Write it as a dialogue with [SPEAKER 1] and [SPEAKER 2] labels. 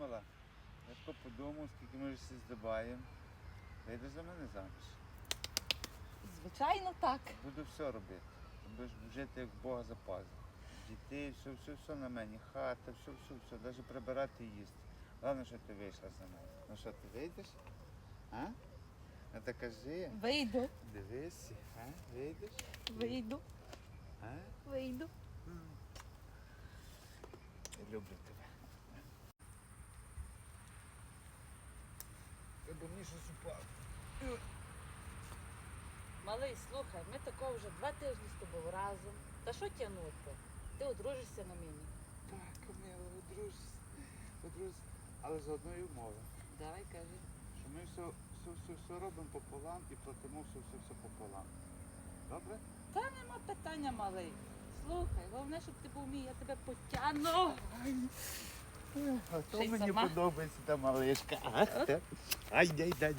[SPEAKER 1] мала, я тако подумав, скільки ми вже всі здобаємо. Вийдеш за мене заміж.
[SPEAKER 2] Звичайно, так.
[SPEAKER 1] Буду все робити. Будеш жити як Бога за пазу. Дітей, все на мені, хата, все, навіть прибирати і їсти. Головне, що ти вийшла за мене. Ну що, ти вийдеш? А? Ну так кажи.
[SPEAKER 2] Вийду,
[SPEAKER 1] Дивись, а? Вийдеш?
[SPEAKER 2] вийду,
[SPEAKER 1] А?
[SPEAKER 2] вийду.
[SPEAKER 1] Я люблю тебе. Треба мені щось упало.
[SPEAKER 2] Малий, слухай, ми такого вже 2 тижні з тобою разом. Та що тягнути? Ти одружишся на мені.
[SPEAKER 1] Так, Камила, одружусь. Але з одної умови.
[SPEAKER 2] Давай, кажи.
[SPEAKER 1] Що ми все робимо пополам і платимо все пополам. Добре?
[SPEAKER 2] Та нема питання, малий. Слухай, головне, щоб ти був мій, я тебе потягну.
[SPEAKER 1] А то
[SPEAKER 2] Ще й
[SPEAKER 1] мені
[SPEAKER 2] сама?
[SPEAKER 1] подобається та малишка. Ай, дай.